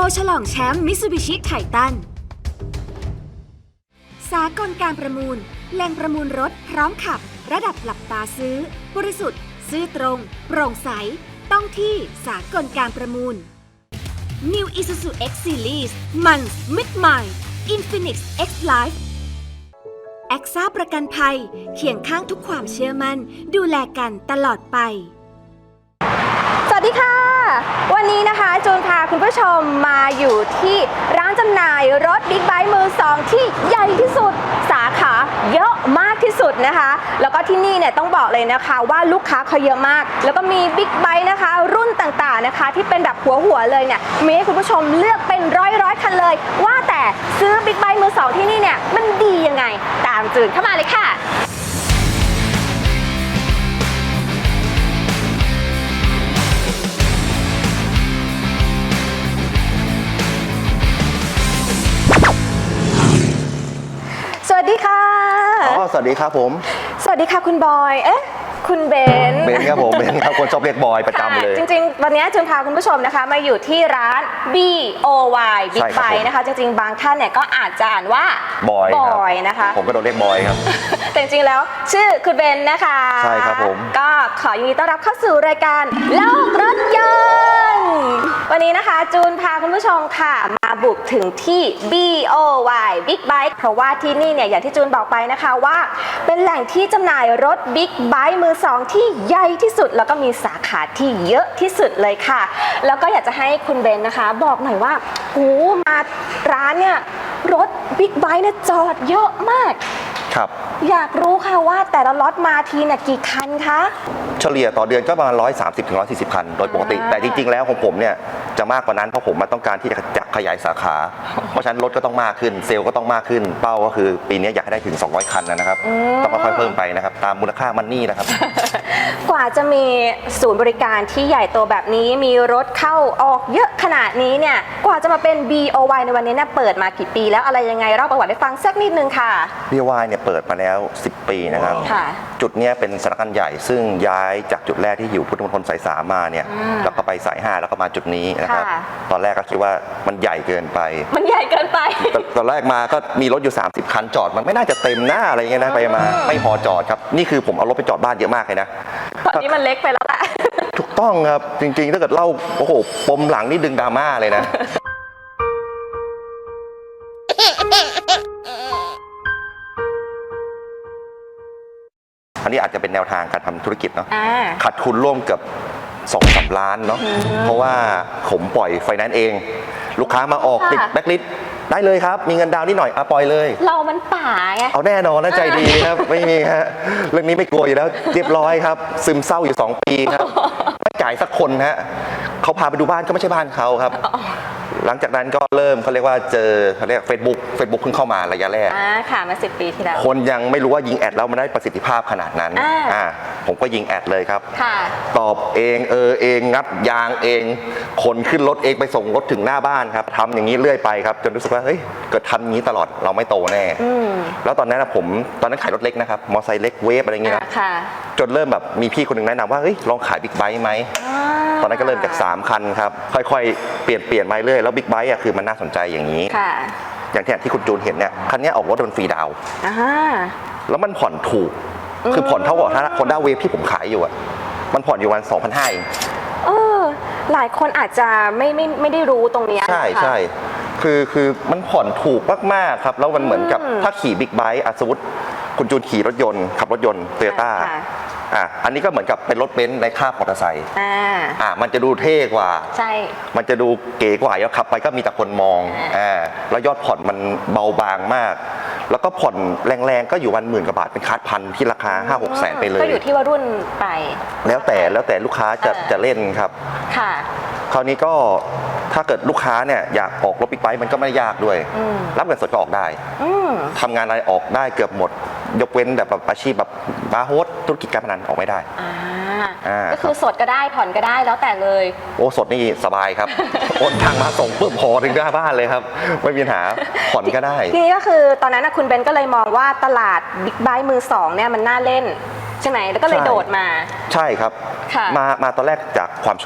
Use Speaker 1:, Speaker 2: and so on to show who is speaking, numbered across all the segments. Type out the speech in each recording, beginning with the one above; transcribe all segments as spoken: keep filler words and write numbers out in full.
Speaker 1: ฉลองแชมป์มิตซูบิชิไททันสากลการประมูลแหล่งประมูลรถพร้อมขับระดับหลับตาซื้อบริสุทธิ์ซื่อตรงโปร่งใสต้องที่สากลการประมูล New Isuzu X Series มันมิดใหม่ Infinix X Life แอคซ่าประกันภัยเคียงข้างทุกความเชื่อมั่นดูแลกันตลอดไป
Speaker 2: สวัสดีค่ะวันนี้นะคะจูนพาคุณผู้ชมมาอยู่ที่ร้านจำหน่ายรถบิ๊กไบค์มือสองที่ใหญ่ที่สุดสาขาเยอะมากที่สุดนะคะแล้วก็ที่นี่เนี่ยต้องบอกเลยนะคะว่าลูกค้าเขาเยอะมากแล้วก็มีบิ๊กไบค์นะคะรุ่นต่างๆนะคะที่เป็นแบบหัวหัวเลยเนี่ยมีให้คุณผู้ชมเลือกเป็นร้อยร้อยคันเลยว่าแต่ซื้อบิ๊กไบค์มือสองที่นี่เนี่ยมันดียังไงตามจูนเข้ามาเลยค่ะสวัสดีค่ะ
Speaker 3: อ๋อสวัสดีครับผม
Speaker 2: สวัสดีค่ะคุณบอยเอ๊ะคุณเบน
Speaker 3: เบนครับผมเบนครับคนชอบเรียกบอยประจำเลย
Speaker 2: จริงๆวันนี้จูนพาคุณผู้ชมนะคะมาอยู่ที่ร้าน บี โอ วาย Big Bike นะคะจริงๆบางท่านเนี่ยก็อาจจะอ่านว่า
Speaker 3: บอยบ
Speaker 2: อยนะคะ
Speaker 3: ผมก็โดนเรียกบอยครับ
Speaker 2: แต่จริงๆแล้วชื่อคุณเบนนะคะ
Speaker 3: ใช่ครับผม
Speaker 2: ก็ขอยินดีต้อนรับเข้าสู่รายการโลกรถยนต์วันนี้นะคะจูนพาคุณผู้ชมค่ะมาบุกถึงที่ บี โอ วาย Big Bike เพราะว่าที่นี่เนี่ยอย่างที่จูนบอกไปนะคะว่าเป็นแหล่งที่จำหน่ายรถ Big Bike มือสองที่ใหญ่ที่สุดแล้วก็มีสาขาที่เยอะที่สุดเลยค่ะแล้วก็อยากจะให้คุณเบนนะคะบอกหน่อยว่าโอ้มาร้านเนี่ยรถ Big Bike เนี่ยจอดเยอะมาก
Speaker 3: ครับ
Speaker 2: อยากรู้ค่ะว่าแต่ละล็อตมาทีเนี่ยกี่คันคะ
Speaker 3: เฉลี่ยต่อเดือนก็ประมาณหนึ่งร้อยสามสิบถึงหนึ่งร้อยสี่สิบคันโดยปกติแต่จริงๆแล้วของผมเนี่ยจะมากกว่านั้นเพราะผมมาต้องการที่จะขยายสาขาเพราะฉะนั้นรถก็ต้องมากขึ้นเซลล์ก็ต้องมากขึ้นเป้าก็คือปีนี้อยากให้ได้ถึงสองร้อยคันนะครับต้องค่อยๆเพิ่มไปนะครับตามมูลค่ามันนี่นะครับ
Speaker 2: กว่าจะมีศูนย์บริการที่ใหญ่โตแบบนี้มีรถเข้าออกเยอะขนาดนี้เนี่ยกว่าจะมาเป็น บี โอ วาย ในวันนี้เนี่ยเปิดมากี่ปีแล้วอะไรยังไงเล่าประวัติให้ฟังสักนิดนึงค่ะ
Speaker 3: บี โอ วาย เนี่ยเปิดมาแล้วสิบปีนะครับจุดนี้เป็นสำนักงานใหญ่ซึ่งย้ายจากจุดแรกที่อยู่พุทธมณฑลสายสามมาเนี่ยแล้วก็ไปสายห้าแล้วก็มาจุดนี้นะครับตอนแรกก็คิดว่ามันใหญ่เกินไป
Speaker 2: มันใหญ่เกินไป
Speaker 3: ตอนแรกมาก็มีรถอยู่สามสิบคันจอดมันไม่น่าจะเต็มหน้าอะไรเงี้ยนะไปมาไม่พอจอดครับนี่คือผมเอารถไปจอดบ้านเยอะมากเลยนะ
Speaker 2: ตอนนี้มันเล็กไปแล้วแหละ
Speaker 3: ถูกต้องครับจริงๆถ้าเกิดเล่าโอ้โหปมหลังนี่ดึงดราม่าเลยนะอันนี้อาจจะเป็นแนวทางการทำธุรกิจเนาะขาดทุนร่วมเกือบสองสามล้านเนาะเพราะว่าผมปล่อยไฟแนนซ์เองลูกค้ามาออกติดแบ็คลิสต์ได้เลยครับมีเงินดาวน์นิดหน่อยอะปล่อยเลย
Speaker 2: เรามันป่าไง
Speaker 3: เอาแน่นอนนะใจดีครับไม่มีฮะเรื่องนี้ไม่กลัวอยู่แล้วเรียบร้อยครับซึมเศร้าอยู่สองปีครับไม่จ่ายสักคนฮะเขาพาไปดูบ้านก็ไม่ใช่บ้านเขาครับหลังจากนั้นก็เริ่มเขาเรียกว่าเจอเขาเรียกเฟซบุ๊กเฟซบุ๊กเพิ่งเข้ามาระยะแรก
Speaker 2: อ่าค่ะมาสิบปีที่แล้ว
Speaker 3: คนยังไม่รู้ว่ายิงแอดแล้วมันได้ประสิทธิภาพขนาดนั้นอ่าผมก็ยิงแอดเลยครับตอบเองเออเองงัดยางเองคนขึ้นรถเองไปส่งรถถึงหน้าบ้านครับทำอย่างนี้เรื่อยไปครับจนรู้สึกว่าเฮ้ยเกิดทำอย่างนี้ตลอดเราไม่โตแน่แล้วตอนนั้นผมตอนนั้นขายรถเล็กนะครับมอเตอร์ไซค์เล็กเวฟอะไรอย่างเงี้ยนะจนเริ่มแบบมีพี่คนหนึ่งแนะนำว่าเฮ้ยลองขายบิ๊กไบค์ไหมตอนนั้นก็เริ่มจากสามคันครับค่อยๆเปลี่ยนเปลี่ยนมาเรื่อยแล้วบิ๊กไบค์อ่ะคือมันน่าสนใจอย่างนี้อย่างที่ที่คุณจูนเห็นเนี่ยคันนี้ออกรถบนฟรีดาวแล้วมันผ่อนถูกคือผ่อนเท่ากับถ้าคอนด้าเวฟที่ผมขายอยู่อ่ะมันผ่อนอยู่วันสองพันห้าเอง
Speaker 2: เออหลายคนอาจจะไม่ไม่ไม่ได้รู้ตรงนี้
Speaker 3: ใช่ใช่คือคือมันผ่อนถูกมากๆครับแล้วมันเหมือนกับถ้าขี่บิ๊กไบค์สมมติคุณจูนขี่รถยนต์ขับรถยนต์โตโยต้าอ่ะอันนี้ก็เหมือนกับเป็นรถเบนซ์ในคาบมอเตอร์ไซค์อ่าอ่ามันจะดูเท่กว่าใช่มันจะดูเก๋กว่าแล้วขับไปก็มีแต่คนมองอ่าแล้วยอดผ่อนมันเบาบางมากแล้วก็ผ่อนแรงๆก็อยู่วันหมื่นกว่าบาทเป็นคาร์ดพันที่ราคาห้าหกแสนไปเลย
Speaker 2: ก็อยู่ที่ว่ารุ่นไป
Speaker 3: แล้วแต่แล้วแต่ลูกค้าจะจะเล่นครับค่ะคราวนี้ก็ถ้าเกิดลูกค้าเนี่ยอยากออกรถบิ๊กไบค์มันก็ไม่ยากด้วยรับเงินสดก็ออกได้ทำงานอะไรออกได้เกือบหมดยกเว้นแบบอาชีพแบบบาร์โฮสธุรกิจการพนันออกไม่ได้
Speaker 2: ก็คือสดก็ได้ผ่อนก็ได้แล้วแต่เลย
Speaker 3: โอ้สดนี่สบายครับโอนทางมาส่งปุ๊บพอถึงหน้าบ้านเลยครับไม่มีปัญหาผ่อนก็ได้
Speaker 2: ทีนี้ก็คือตอนนั้นคุณเบนก็เลยมองว่าตลาดบิ๊กไบค์มือสองเนี่ยมันน่าเล่นใช่ไหมแล้วก็เลยโดดมา
Speaker 3: ใช่ครับมามาตอนแรกจากความชอบ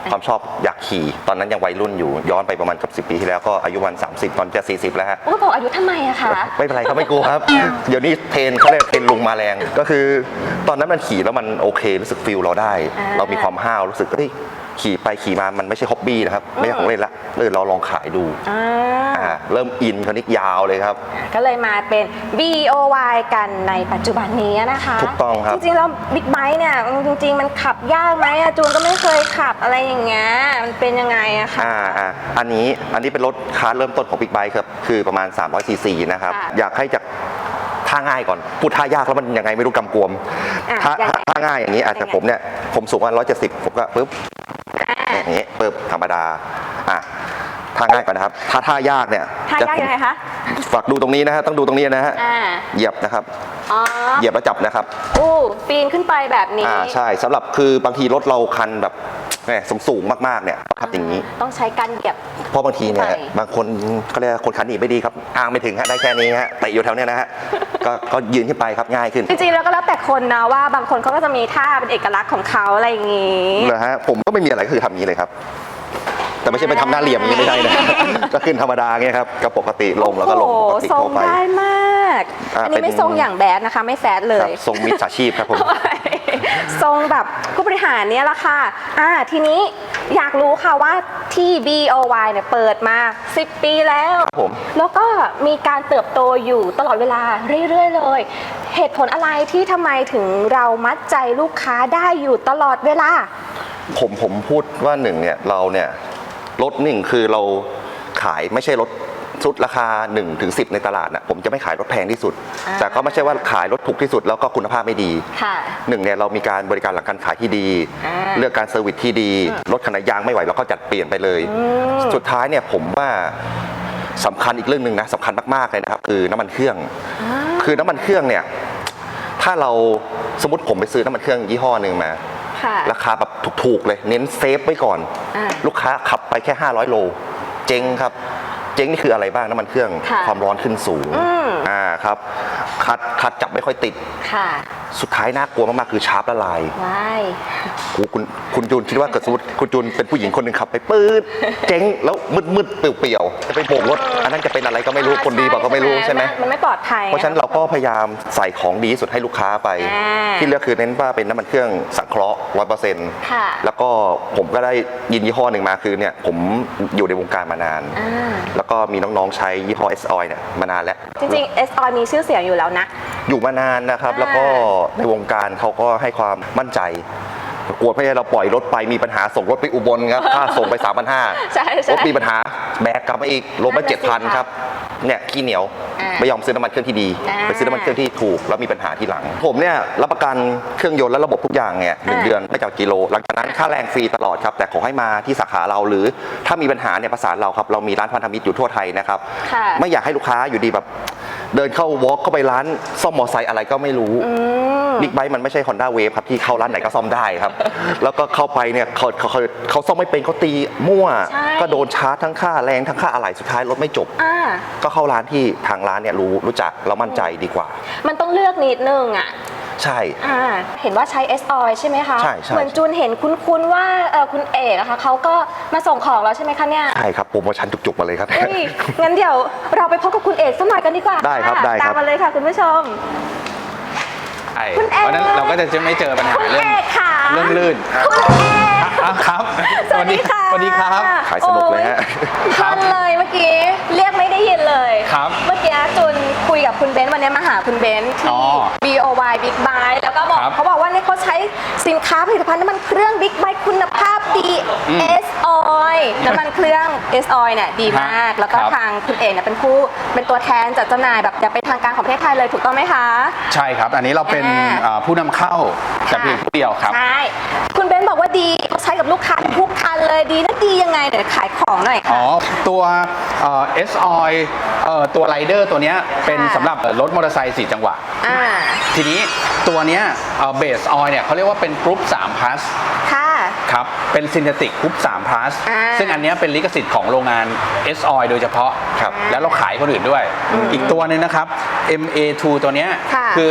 Speaker 3: ความชอบอยากขี่ตอนนั้นยังวัยรุ่นอยู่ย้อนไปประมาณกับสิบปีที่แล้วก็อายุวันสามสิบตอนจะสี่สิบแล้วฮะ
Speaker 2: โอ้บอกอายุทำไมอะคะ
Speaker 3: ไม่เป็นไรเขาไม่กลัวครับ เดี๋ยวนี้เทรนเขาเรียกเทรนลุงมาแรง ก็คือตอนนั้นมันขี่แล้วมันโอเครู้สึกฟิลเราได้ เรามีความห้าวรู้สึกเฮ้ยขี่ไปขี่มามันไม่ใช่ฮ็อบบี้นะครับไม่ใช่ของเล่นละเลยเราลองขายดูอ่าเริ่มอินคราวนี้ยาวเลยครับ
Speaker 2: ก็เลยมาเป็น บี โอ วาย กันในปัจจุบันนี้นะคะ
Speaker 3: ถูกต้องครับ
Speaker 2: จริงๆแล้วบิ๊กไบค์เนี่ยจริงๆมันขับยากไหมอะจูนก็ไม่เคยขับอะไรอย่างเงี้ยมันเป็นยังไงอะคะ
Speaker 3: อ่าอ่าอันนี้อันนี้เป็นรถคาร์เริ่มต้นของบิ๊กไบค์ครับคือประมาณสามร้อยซีซีนะครับ
Speaker 2: ค่ะ
Speaker 3: อยากให้จากท่าง่ายก่อนพูดท่ายากแล้วมันยังไงไม่รู้กำกวม
Speaker 2: อ่ะ
Speaker 3: ท่า
Speaker 2: ยังไง
Speaker 3: ท่าง่ายอย่างนี้อาจจะ
Speaker 2: ยังไง
Speaker 3: ผมเนี่ยผมสูงว่าร้อยเจ็ดสิบผมก็ปึ๊บอย่างนี้ปึ๊บธรรมดาอ่ะท่าง่ายก่อนนะครับถ้าท่ายากเนี่ย
Speaker 2: ท่ายากยังไงคะ
Speaker 3: ฝากดูตรงนี้นะฮะต้องดูตรงนี้นะฮะ
Speaker 2: อ่า
Speaker 3: เหยียบนะครับ
Speaker 2: อ๋อ
Speaker 3: เหยียบแล้วจับนะครับ
Speaker 2: อู้ปีนขึ้นไปแบบนี้
Speaker 3: อ่าใช่สำหรับคือบางทีรถเราคันแบบสูงสูงๆมากๆเนี่ยขับอย่างนี้
Speaker 2: ต้องใช้การเหยียบ
Speaker 3: เพราะบางทีเนี่ย
Speaker 2: ไป
Speaker 3: บางคนเขาเรียกว่าคนขันหนีไม่ดีครับอ้างไม่ถึงฮะได้แค่นี้ฮะแต่อยู่แถวเนี้ยนะฮะ ก็ก็ยืนขึ้นไปครับง่ายขึ้น
Speaker 2: จริงๆแล้วก็แล้วแต่คนนะว่าบางคนเขาก็จะมีท่าเป็นเอกลักษณ์ของเขาอะไรอย่างงี้
Speaker 3: เหรอฮะผมก็ไม่มีอะไรก็คือทำอย่างนี้เลยครับ แต่ไม่ใช่ไปทำหน้าเหลี่ยมอย่างนี้ไม่ได้นะ ก็ขึ้นธรรมดาเงี้ยครับก็ปกติลงแล้วก็ลงปกติ
Speaker 2: ทร
Speaker 3: ทั่
Speaker 2: ง
Speaker 3: วไป
Speaker 2: ได้มาก
Speaker 3: อ่า
Speaker 2: อันนี้ไม่
Speaker 3: เป็น
Speaker 2: ทรงอย่างแบดนะคะ ไม่แฟดเล
Speaker 3: ครั
Speaker 2: ย
Speaker 3: บทรงมิจฉาชีพครับผม
Speaker 2: ทรงแบบผู้บริหารเนี่ยแหละค่ะอ่าทีนี้อยากรู้ค่ะว่าที่ บี โอ วาย เนี่ยเปิดมาสิบปีแล้ว
Speaker 3: ครับผม
Speaker 2: แล้วก็มีการเติบโตอยู่ตลอดเวลาเรื่อยๆเลย เหตุผลอะไรที่ทำไมถึงเรามัดใจลูกค้าได้อยู่ตลอดเวลา
Speaker 3: ผมผมพูดว่าหนึ่งเนี่ยเราเนี่ยรถหนึ่งคือเราขายไม่ใช่รถชุดราคาหนึ่งถึงสิบในตลาดนะผมจะไม่ขายรถแพงที่สุด
Speaker 2: อ่า
Speaker 3: แต่ก็ไม่ใช่ว่าขายรถถูกที่สุดแล้วก็คุณภาพไม่ดี
Speaker 2: ค่ะ
Speaker 3: หนึ่งเนี่ยเรามีการบริการหลังการขายที่ดี
Speaker 2: อ่า
Speaker 3: เลือกการเซอร์วิสที่ดีรถขนาดยางไม่ไหวเราก็จัดเปลี่ยนไปเลย สุดท้ายเนี่ยผมว่าสำคัญอีกเรื่องหนึ่งนะสำคัญมากๆเลยนะครับคือน้ำมันเครื่อง คือน้ำมันเครื่องเนี่ยถ้าเราสมมติผมไปซื้อน้ำมันเครื่องยี่ห้อหนึ่งมา
Speaker 2: ค่ะ
Speaker 3: ราคาแบบถูกๆเลยเน้นเซฟไว้ก่อน
Speaker 2: อ่า
Speaker 3: ลูกค้าขับไปแค่ห้าร้อยโลเจ๊งครับเจ๊งนี่คืออะไรบ้างน้ำมันเครื่อง
Speaker 2: ค่ะ
Speaker 3: ความร้อนขึ้นสูง
Speaker 2: อืม
Speaker 3: อ่าครับคัดคัดจับไม่ค่อยติด
Speaker 2: ค่ะ
Speaker 3: สุดท้ายน่ากลัวมากๆคือชาร์ปละลาย
Speaker 2: ว้าย
Speaker 3: โอ้คุณคุณจูนคิดว่าเกิดสมมติคุณจูนเป็นผู้หญิงคนหนึ่งขับไปปื๊ดเจ๊งแล้วมืดๆเปลี่ยวๆจะไปโบกรถอันนั้นจะเป็นอะไรก็ไม่รู้คนดีบอกก็ไม่รู้ใช่ไหม
Speaker 2: มันไม่ปลอดภัย
Speaker 3: เพราะฉะนั้นเราก็พยายามใส่ของดีที่สุดให้ลูกค้าไป
Speaker 2: อ่า
Speaker 3: ที่เลือกคือเน้นว่าเป็นน้ำมันเครื่องสังเคราะห์ร้อยเปอร์เซ็นต์
Speaker 2: ค่ะ
Speaker 3: แล้วก็ผมก็ได้ยินยี่ห้อหนึ่งมาคือเนี่ยผมอยู่ในวงการมานาน
Speaker 2: อ่า
Speaker 3: แล้วก็มีน้องๆใช้ยี่ห้อ S Oil เนี่ยมานานแล้ว
Speaker 2: จริงๆ เอส ออย มีชื่อเสียงอยู่แล้วนะ
Speaker 3: อยู่มานานนะครับ
Speaker 2: อ่า
Speaker 3: แล้วก็ในวงการเขาก็ให้ความมั่นใจกลัวไม่ให้เราปล่อยรถไปมีปัญหาส่งรถไปอุบลครับค่าส่งไป สามพันห้าร้อย
Speaker 2: ใช่ใช่
Speaker 3: รถมีปัญหาแบกกลับมาอีกลงมา
Speaker 2: นั่นน่ะสิ
Speaker 3: เจ็ดพัน
Speaker 2: ค่ะ
Speaker 3: ครับเนี่ยขี้เหนียว
Speaker 2: อ่า
Speaker 3: ไม่ยอมซื้อน้ำมันเครื่องที่ดี
Speaker 2: อ่า
Speaker 3: ไปซื้อน้ำมันเครื่องที่ถูกแล้วมีปัญหาที่หลัง ผมเนี่ยรับประกันเครื่องยนต์และระบบทุกอย่างเนี่ยหนึ่ง
Speaker 2: อ่า
Speaker 3: เดือนไม่จากกิโลหลังจากนั้นค่าแรงฟรีตลอดครับแต่ขอให้มาที่สาขาเราหรือถ้ามีปัญหาเนี่ยประสานเราครับเรามีร้านพันธมิตรอยู่ทั่วไทยนะครับ
Speaker 2: ค่ะ
Speaker 3: ไม่อยากให้ลูกค้าอยู่ดีแบบเดินเข้าวอล์กเข้าไปร้านซ่อมมอเตอร์ไซค์อะไรก็ไม่รู้
Speaker 2: อืม
Speaker 3: บิ๊กไบค์มันไม่ใช่ Honda Wave ครับที่เข้าร้านไหนก็ซ่อมได้ครับ แล้วก็เข้าไปเนี่ยเขาเขาเขาเขาซ่อมไม่เป็นเขาตีมั่ว
Speaker 2: ใช่
Speaker 3: ก็โดนชาร์จทั้งค่าแรงทั้งค่าอะไหล่สุดท้ายรถไม่จบ
Speaker 2: อ่า
Speaker 3: ก็เข้าร้านที่ทางร้านเนี่ยรู้รู้จักเรามั่นใจดีกว่า
Speaker 2: มันต้องเลือกนิดนึงอ่ะ
Speaker 3: ใช่
Speaker 2: อ่า เห็นว่าใช้ เอส ออย ใช่ไหมคะ
Speaker 3: ใช่ใช่
Speaker 2: เหมือนจูนเห็นคุ้นๆว่าเออคุณเอกอะคะเขาก็มาส่งของแล้วใช่ไหมคะเนี่ย
Speaker 3: ใช่ครับโปรโมชั่นจุกๆมาเลยครับ
Speaker 2: เฮ้ยงั้นเดี๋ยวเราไปพบกับคุณเอกสักหน่อยกันดีกว่า
Speaker 3: ได้ครับ
Speaker 2: ะ
Speaker 3: ได้ครับ
Speaker 2: ตามมาเลยค่ะคุณผู้ชม
Speaker 4: ใช่
Speaker 2: คุณเอก
Speaker 4: เพราะฉะนั้นเราก็จะไม่เจอปัญหา
Speaker 2: คุณ
Speaker 4: เรื่อง
Speaker 2: เอกค่ะ
Speaker 4: เรื่องลื่น
Speaker 2: คุณเอก
Speaker 4: อ่ะครับ
Speaker 2: สวัสดีค่ะ
Speaker 4: สวัสดีครับ
Speaker 3: ขายสนุกเลยฮะ
Speaker 2: พลันเลยเมื่อกี้เรียกไม่ได้ยินเลย
Speaker 4: ครับ
Speaker 2: เมื่อกี้จุนคุยกับคุณเบนซ์วันนี้มาหาคุณเบนซ์
Speaker 4: อ๋
Speaker 2: ที่
Speaker 4: อ
Speaker 2: บี โอ วาย Big Bike แล้วก็บอก
Speaker 4: ครับ
Speaker 2: เขาบอกว่าเนี่ยเขาใช้สินค้าผลิตภัณฑ์น้ำมันเครื่อง Big Bike คุณภาพดี
Speaker 4: อืม
Speaker 2: เอส Oil น้ำมันเครื่อง เอส Oil เนี่ยดีมาก
Speaker 4: ครับ
Speaker 2: แล้วก็
Speaker 4: ครับ
Speaker 2: ทางคุณเอกเนี่ยเป็นผู้เป็นตัวแทนจัดจำหน่ายแบบอย่างเป็นทางการของประเทศไทยเลยถูกต้องไหมคะ
Speaker 4: ใช่ครับ อันนี้เราเป็น
Speaker 2: อ่า
Speaker 4: เอ่อผู้นำเข้าแต่เพียงผู้เดียวครับ
Speaker 2: ใช่คุณเบนซ์บอกว่าดีเขาใช้กับลูกค้าทุกคันเลยดีนะดียังไงเดี๋ยวขายของหน่อย
Speaker 4: อ๋
Speaker 2: ค่ะ
Speaker 4: อ ตัวเอ่อ S Oil เอ่อตัวไรเดอร์ตัวเนี้ยเป็น
Speaker 2: ค่ะ
Speaker 4: สำหรับรถมอเตอร์ไซค์สี่จังหวะ
Speaker 2: อ่า
Speaker 4: ทีนี้ตัวเนี้ยเบสออยเนี่ยเขาเรียกว่าเป็นกรุ๊ปสาม plus
Speaker 2: ค่ะ
Speaker 4: ครับ เป็นซินเทติกกรุ๊ปสาม plus
Speaker 2: อ่า
Speaker 4: ซึ่งอันเนี้ยเป็นลิขสิทธิ์ของโรงงาน S Oil โดยเฉพาะ
Speaker 3: ครับ
Speaker 4: แล้วเราขายคนอื่นด้วย อีกตัวหนึงนะครับ เอ็ม เอ ทู ตัวเนี้ย
Speaker 2: ค่ะ
Speaker 4: คือ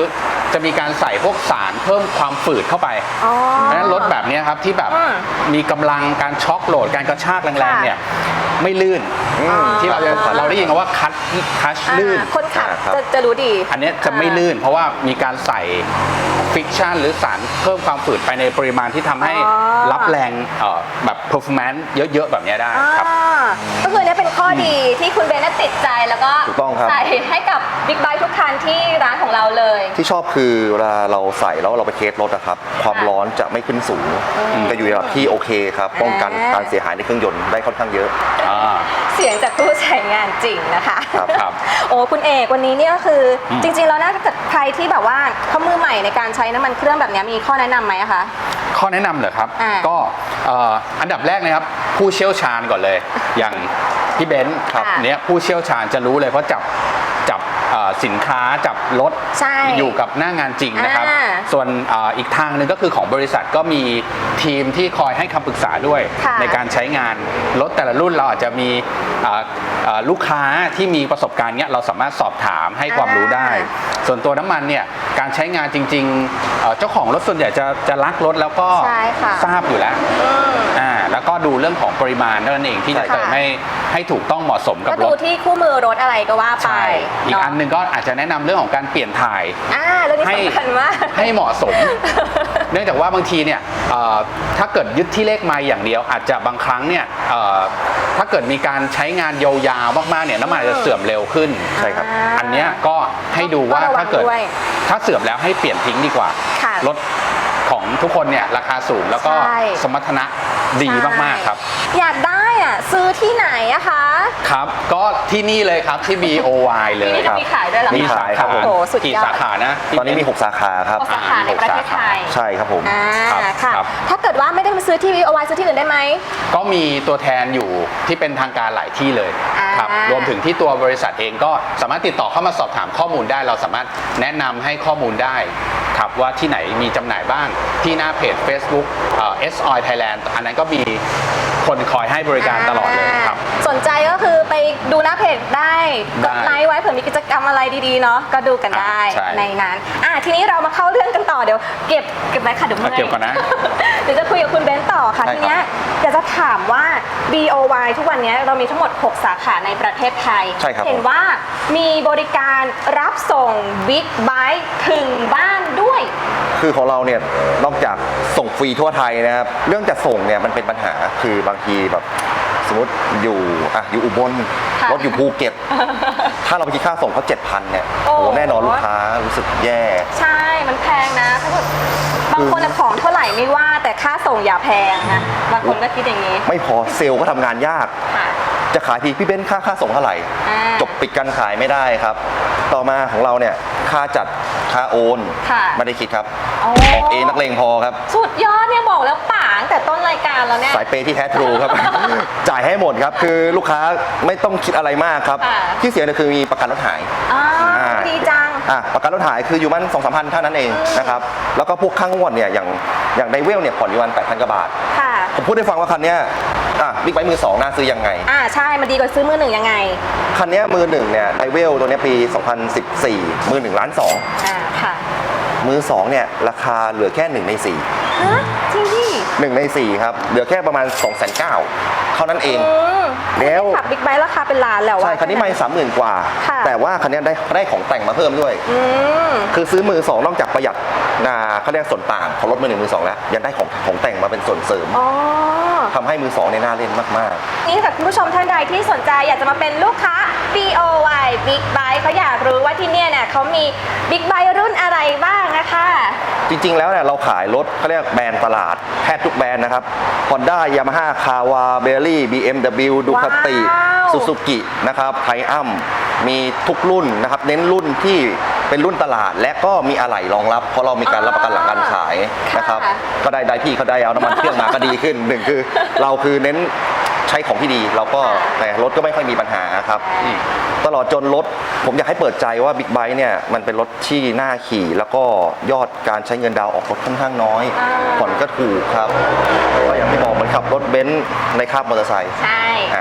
Speaker 4: จะมีการใส่พวกสารเพิ่มความฝืดเข้าไป
Speaker 2: อ๋อ
Speaker 4: เพราะฉะนั้นรถแบบเนี้ยครับที่แบบ
Speaker 2: อืม
Speaker 4: มีกำลังการช็อคโหลดการกระชากแรงๆเนี่ยไม่ลื่น
Speaker 3: อืม
Speaker 4: ที่เราจะเราได้ยินกันว่าคัทคัช
Speaker 2: อ่า
Speaker 4: ลื่น
Speaker 2: คนขับ
Speaker 3: อ่าครับ
Speaker 2: จะจะรู้ดี
Speaker 4: อันเนี้ยจะไม่ลื่นเพราะว่ามีการใส่ฟิกชันหรือสารเพิ่มความฝืดไปในปริมาณที่ทำให้
Speaker 2: อ๋อ
Speaker 4: รับแรงเอ่อแบบ performance เยอะๆ แบบเนี้ยได้ครับ
Speaker 2: อ่าก็คือเนี่ยเป็นข้อดีที่คุณเบนน่ะติดใจแล้วก็
Speaker 3: ถูกต้องครับ
Speaker 2: ใส่ให้กับบิ๊กไบค์ทุกคันที่ร้านของเราเลย
Speaker 3: ที่ชอบคือเวลาเราใส่แล้วเราไปเทสรถอะครับ ความร้อนจะไม่ขึ้นสูงจะอยู่ในระดับที่โอเคครับ ป้องกัน
Speaker 2: อ่า
Speaker 3: การเสียหายในเครื่องยนต์ได้ค่อนข้างเยอะ
Speaker 4: อ่า
Speaker 2: เสียงจากผู้ใช้งานจริงนะคะ
Speaker 3: ครับ
Speaker 4: ครับ
Speaker 2: โอ้คุณเอกวันนี้เนี่ยก็คืออ
Speaker 4: ม
Speaker 2: จริงๆแล้วนะถ้าเกิดใครที่แบบว่าเขามือใหม่ในการใช้น้ำมันเครื่องแบบเนี้ยมีข้อแนะนำไหมอะคะ
Speaker 4: ข้อแนะนำเหรอครับ
Speaker 2: อ่า
Speaker 4: ก็เอ่ออันดับแรกนะครับ ผู้เชี่ยวชาญก่อนเลย อย่างพี่เบนซ์
Speaker 2: ครับ
Speaker 4: เนี้ยผู้เชี่ยวชาญจะรู้เลยเพราะจับจับเอ่อสินค้าจับรถ
Speaker 2: ใช่
Speaker 4: อยู่กับหน้างานจริงนะครับ
Speaker 2: อ่า
Speaker 4: ส่วนเอ่ออีกทางหนึ่งก็คือของบริษัทก็มีทีมที่คอยให้คำปรึกษาด้วย
Speaker 2: ค่ะ
Speaker 4: ในการใช้งานรถแต่ละรุ่นเราอาจจะมีเอ่อเอ่อลูกค้าที่มีประสบการณ์เนี้ยเราสามารถสอบถามให้ความรู้ได้ ส่วนตัวน้ำมันเนี่ยการใช้งานจริงๆเอ่อเจ้าของรถส่วนใหญ่จะจะรักรถแล้วก็
Speaker 2: ใช่ค่ะ
Speaker 4: ทราบอยู่แล้ว
Speaker 2: อืม
Speaker 4: อ่าแล้วก็ดูเรื่องของปริมาณเท่านั้นเองที่จะ
Speaker 2: ใช่ค่ะ
Speaker 4: เติมให้ให้ถูกต้องเหมาะสมกับ
Speaker 2: ก็
Speaker 4: ร
Speaker 2: ดู
Speaker 4: ถ
Speaker 2: ที่คู่มือรถอะไรก็ว่าไป
Speaker 4: ใช่อีก
Speaker 2: เาะ
Speaker 4: อันหนึ่งก็อาจจะแนะนำเรื่องของการเปลี่ยนถ่าย
Speaker 2: อ่าเรื่องนี้
Speaker 4: ให้
Speaker 2: สำคัญมาก
Speaker 4: ให้เหมาะสม เนื่องจากว่าบางทีเนี่ยเอ่อถ้าเกิดยึดที่เลขไมล์อย่างเดียว อาจจะบางครั้งเนี่ยเอ่อถ้าเกิดมีการใช้งานยาวๆมากๆเนี่ยน้ำมันอาจจะเสื่อมเร็วขึ้น
Speaker 3: ใช่ครับ
Speaker 2: า
Speaker 4: อันเนี้ยก็ให้ดูว่า
Speaker 2: ต้องระวัง
Speaker 4: ถ้าเกิด
Speaker 2: ด้วย
Speaker 4: ถ้าเสื่อมแล้วให้เปลี่ยนทิ้งดีกว่า
Speaker 2: ค่ะ
Speaker 4: รถของทุกคนเนี่ยราคาสูงแล้วก็
Speaker 2: ใช่
Speaker 4: สมรรถนะดีมากๆครับ
Speaker 2: อยากได้อ่ะซื้อที่ไหนอะคะ
Speaker 4: ครับ ก็ที่นี่เลยครับที่ บี โอ วาย เลย
Speaker 2: ที่นี่
Speaker 4: ค
Speaker 2: จะ
Speaker 4: รับ
Speaker 2: มีขายด้วยเหรอ
Speaker 3: มี
Speaker 4: มี
Speaker 2: คะ
Speaker 4: สา
Speaker 3: ครั
Speaker 4: ขา
Speaker 3: บผม
Speaker 2: โอ้สุดยอด
Speaker 4: กี่สาขานะ
Speaker 3: ตอนนี้มี หก สาขาครับ
Speaker 2: หกสาขาในประเทศไทย
Speaker 3: ใช่ครับผม
Speaker 2: อ่า
Speaker 4: ครับ
Speaker 2: ค่ะ
Speaker 4: ครับ
Speaker 2: ถ้าเกิดว่าไม่ได้มาซื้อที่วีโอไวซื้อที่อื่นได้ไหม
Speaker 4: ก็มีตัวแทนอยู่ที่เป็นทางการหลายที่เลย
Speaker 2: อ่า
Speaker 4: ครับรวมถึงที่ตัวบริษัทเองก็สามารถติดต่อเข้ามาสอบถามข้อมูลได้ เราสามารถแนะนำให้ข้อมูลได้ครับว่าที่ไหนมีจำหน่ายบ้างที่หน้าเพจ Facebook เอ่อ เอส ออย Thailand อันนั้นก็มีคนคอยให้บริการตลอดเลยครับ
Speaker 2: สนใจก็คือไปดูหน้าเพจได้ก
Speaker 4: ได้
Speaker 2: ดไลค์ไว้เผื่อมีกิจกรรมอะไรดีๆเนาะก็ดูกันได้
Speaker 4: อ่าใช่
Speaker 2: ในนั้นอ่ะทีนี้เรามาเข้าเรื่องกันต่อเดี๋ยวเก็บเก็บไว้ค่ะเดี๋ยวเมื่อย
Speaker 4: เก็บก่อนนะ
Speaker 2: เดี๋ยวจะคุยกับคุณเบนซ์ต่อค่ะ
Speaker 3: ใช่ครับ
Speaker 2: ทีเนี้ยอยากจะถามว่า บี โอ วาย ทุกวันเนี้ยเรามีทั้งหมด หก สาขาในประเทศไทย
Speaker 3: ใช่ครับ
Speaker 2: เห็นว่ามีบริการรับส่งบิ๊กไบค์ถึงบ้านด้วย
Speaker 3: คือของเราเนี่ยนอกจากส่งฟรีทั่วไทยนะครับเรื่องจัดส่งเนี่ยมันเป็นปัญหาคือบางทีแบบสมมติอยู่อ่ะอยู่อุบล
Speaker 2: ค่ะ
Speaker 3: รถอยู่ภูเก็ต ถ้าเราไปคิดค่าส่งเขาเจ็ดพันเนี่ย
Speaker 2: โอ้
Speaker 3: โอ้แน่นอนลูกค้ารู้สึกแย่
Speaker 2: ใช่ มันแพงนะถ้าเกิดบางคนอะของเท่าไหร่ไม่ว่า แต่ค่าส่งอย่าแพงนะ บางคนก็คิดอย่างนี้
Speaker 3: ไม่พอเซลล์ก็ทำงานยาก
Speaker 2: ค่ะ
Speaker 3: จะขายทีพี่เบ้นค่าค่าส่งเท่าไหร่
Speaker 2: อ่า
Speaker 3: จบปิดการขายไม่ได้ครับ ต่อมาของเราเนี่ยค่าจัดค่าโอน
Speaker 2: ค่ะ
Speaker 3: ไม่ได้คิดครับ
Speaker 2: อ๋อ
Speaker 3: ออกเองนักเลงพอครับ
Speaker 2: สุดยอดเนี่ยบอกแล้วป่าตั้งแต่ต้นรายการแล้วเนี่ย
Speaker 3: สายเปย์ที่แท้ทรูครับ จ่ายให้หมดครับ คือลูกค้าไม่ต้องคิดอะไรมากครับ
Speaker 2: ค่ะ
Speaker 3: ที่เสียเนี่ยคือมีประกันรถหาย
Speaker 2: อ๋อ
Speaker 3: อ่า
Speaker 2: ดีจัง
Speaker 3: อ่ะประกันรถหายคืออยู่มันสองสามพันเท่านั้นเองนะครับ แล้วก็พวกข้างงวดเนี่ยอย่างอย่างไดเวลเนี่ยผ่อนอยู่วันแปดพันกว่าบาท
Speaker 2: ค่ะ
Speaker 3: ผมพูดให้ฟังว่าคันเนี้ยอ่ะบิ๊กไบค์มือสองน่าซื้อยังไง
Speaker 2: อ่าใช่มันดีกว่าซื้อมือหนึ่งยังไง
Speaker 3: คันเนี้ยมือหนึ่งเนี่ยไดเวลตัวเนี้ยปี สองพันสิบสี่ มือหนึ่งล้านสอง
Speaker 2: อ่าค่ะ
Speaker 3: มือสองเนี่ยราคาเหลือแค่หนึ่งในสี่
Speaker 2: ฮะจริงดิ
Speaker 3: หนึ่งในสี่ครับเหลือแค่ประมาณ2องแสนเก้าเท่านั้นเอง
Speaker 2: อืม
Speaker 3: แล้ว
Speaker 2: ขับบิ๊กไบค์ราคาเป็นล้านแล้วอะ
Speaker 3: ใช่คันนี้ไม่สามหมื่นกว่า
Speaker 2: ค่ะ
Speaker 3: แต่ว่าคันนี้ได้ได้ของแต่งมาเพิ่มด้วย
Speaker 2: อืม
Speaker 3: คือซื้อมือสองนอกจากประหยัดนาเขาเรียกส่วนต่างของรถมือหนึ่งมือสองแล้วยังได้ของของแต่งมาเป็นส่วนเสริม
Speaker 2: อ๋อ
Speaker 3: ทำให้มือสองในยน่าเล่นมาก
Speaker 2: นี่ค่ะคุณผู้ชมท่านใดที่สนใจอยากจะมาเป็นลูกค้า บี โอ วาย Big Bike เขาอยากรู้ว่าที่เนี่ยเนี่ยเขามี Big Bike รุ่นอะไรบ้างนะคะ
Speaker 3: ๆ จริงๆแล้วเนี่ยเราขายรถเขาเรียกแบรนด์ตลาดแทบทุกแบรนด์นะครับ Honda Yamaha Kawa Bentley บี เอ็ม ดับเบิลยู Ducati
Speaker 2: ว้าว
Speaker 3: Suzuki นะครับไทอัมมีทุกรุ่นนะครับเน้นรุ่นที่เป็นรุ่นตลาด และก็มีอะไหล่รองรับ เพราะเรามีการรับประกันหลังการขายนะครับ
Speaker 2: ค่ะ
Speaker 3: ก็ได้ได้ที่เขาได้เอาน้ำมันเครื่องมาก็ดีขึ้นหนึ่งคือ เราคือเน้นใช้ของที่ดี เราก็แต่รถก็ไม่ค่อยมีปัญหาครับอืมตลอดจนรถผมอยากให้เปิดใจว่าบิ๊กไบค์เนี่ยมันเป็นรถที่น่าขี่ แล้วก็ยอดการใช้เงินดาวน์ออกรถค่อนข้างน้อย
Speaker 2: อ่า
Speaker 3: ผ่อนก็ถูกครับก็อย่างที่บอกเหมือนขับรถเบนซ์ในคาบมอเตอร์ไซค์
Speaker 2: ใช่
Speaker 3: อ่ะ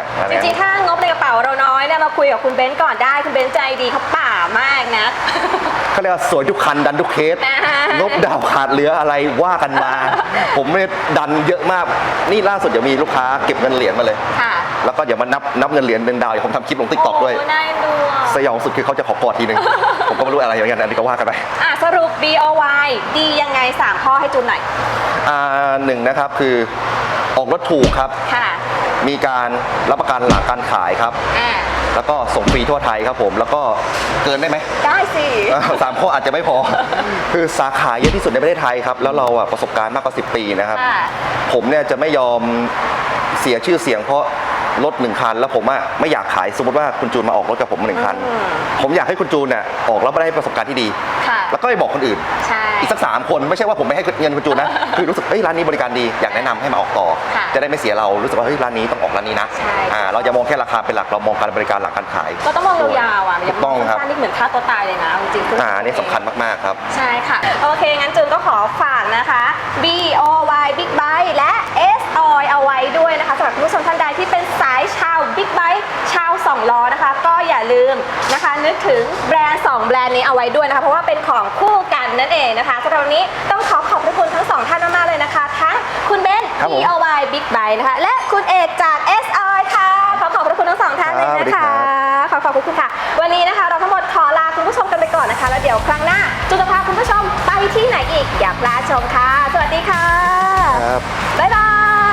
Speaker 3: อะไร
Speaker 2: จริงๆ ถ้างบในกระเป๋าเราน้อยเนี่ยมาคุยกับคุณเบนซ์ก่อนได้คุณเบนซ์ใจดีเขาป่ามากนะ
Speaker 3: เขาเรียกว่าสวยทุกคันดันทุกเคส
Speaker 2: อ่าฮะ
Speaker 3: งบดาวขาดเหลืออะไรว่ากันมา ผมไม่ดันเยอะมากนี่ล่าสุดเดี๋ยวมีลูกค้าเก็บเงินเหรียญมาเลย
Speaker 2: ค่ะ
Speaker 3: แล้วก็เดี๋ยวมานับนับเงินเหรียญเป็นดาวเดี๋ยวผมทำคลิปลงติ๊กต็อกด้วย
Speaker 2: โอ้น่าดูอ่ะ
Speaker 3: สยองสุดคือเขาจะขอกอดทีนึง ผมก็ไม่รู้อะไรอย่างเงี้ยอันนี้ก็ว่ากันไป
Speaker 2: อ่ะสรุป บี โอ วาย ดียังไงสามข้อให้จูนหน่อย
Speaker 3: อ่าหนึ่งนะครับคือออกรถถูกครับ
Speaker 2: ค่ะ
Speaker 3: มีการรับประกันหลังการขายครับ
Speaker 2: อ่า
Speaker 3: แล้วก็ส่งฟรีทั่วไทยครับผม แล้วก็เกินได้ไหม
Speaker 2: ได้สิ
Speaker 3: เออสามข้ออาจจะไม่พอ คือสาขาเยอะที่สุดในประเทศไทยครับ แล้วเราอะประสบการณ์มากกว่าสิบปีนะครับ
Speaker 2: ค่ะ
Speaker 3: ผมเนี่ยจะไม่ยอมเสียชื่อเสียงเพราะรถหนึ่งคัน แล้วผมอะไม่อยากขายสมมติว่าคุณจูนมาออกรถกับผมหนึ่งคัน
Speaker 2: อืม
Speaker 3: ผมอยากให้คุณจูนเนี่ยออกแล้วได้ประสบการณ์ที่ดี
Speaker 2: ค่ะ
Speaker 3: แล้วก็ไปบอกคนอื่น
Speaker 2: ใช่
Speaker 3: อีกสักสามคนไม่ใช่ว่าผมไม่ให้เงินคุณจูนนะ คือรู้สึกเฮ้ยร้านนี้บริการดีอยากแนะนำให้มาออกต่อ
Speaker 2: ค่ะ
Speaker 3: จะได้ไม่เสียเรารู้สึกว่าเฮ้ยร้านนี้ต้องออกร้านนี้นะ
Speaker 2: ใช่
Speaker 3: อ่าเราจะมองแค่ราคาเป็นหลักเรามองการบริการหลังการขาย
Speaker 2: ก็ต้องมองยาวๆอ่ะ
Speaker 3: ถูกต้องครับ
Speaker 2: สั้นๆนี่เหมือนฆ่าตัวตายเลยนะจริงๆ
Speaker 3: อ่าอันนี้สำคัญมากๆครับ
Speaker 2: ใช่ค่ะ โอเค งั้นจูนก็ขอฝากนะคะ บี โอ วาย Big Bike และ เอส ออย เอาไว้ด้วยนะคะสำหรับคุณผู้ชมท่านใดที่เป็นสายชาว Big Bike ชาวสองล้อนะคะ ก็อย่าลืมนะคะ นึกถึงแบรนด์สองแบรนด์นี้เอาไว้ด้วยนะคะ เพราะว่าเป็นของคู่กันนั่นเองนะคะสำหรับวันนี้ต้องขอขอบพระคุณทั้งสองท่านมากๆเลยนะคะ ทั้งคุณเบนซ์
Speaker 3: ครับผม
Speaker 2: บี โอ วาย Big Bike นะคะ และคุณเอกจาก เอส ออย ค่ะ ขอขอบพระคุณทั้งสองท่านเลย
Speaker 3: ครับสวัสดี
Speaker 2: นะ
Speaker 3: ครั
Speaker 2: คะ
Speaker 3: บ
Speaker 2: ขอขอบคุณค่ะ วันนี้นะคะ เราทั้งหมดขอลาคุณผู้ชมกันไปก่อนนะคะ แล้วเดี๋ยวครั้งหน้าจูนจะพาคุณผู้ชมไปที่ไหนอีกอย่าพลาดชมค่ะ สวัสดีค่ะ
Speaker 3: ครับ
Speaker 2: บ๊ายบาย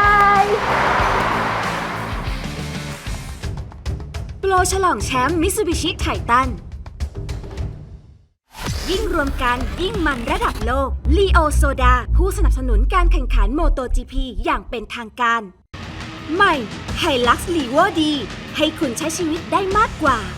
Speaker 1: โปรฉลองแชมป์มิตซูบิชิไททันยิ่งรวมกันยิ่งมันระดับโลกลีโอโซดาผู้สนับสนุนการแข่งขันโมโต จี พี อย่างเป็นทางการ ใหม่ไฮลักซ์ลีโวดีให้คุณใช้ชีวิตได้มากกว่า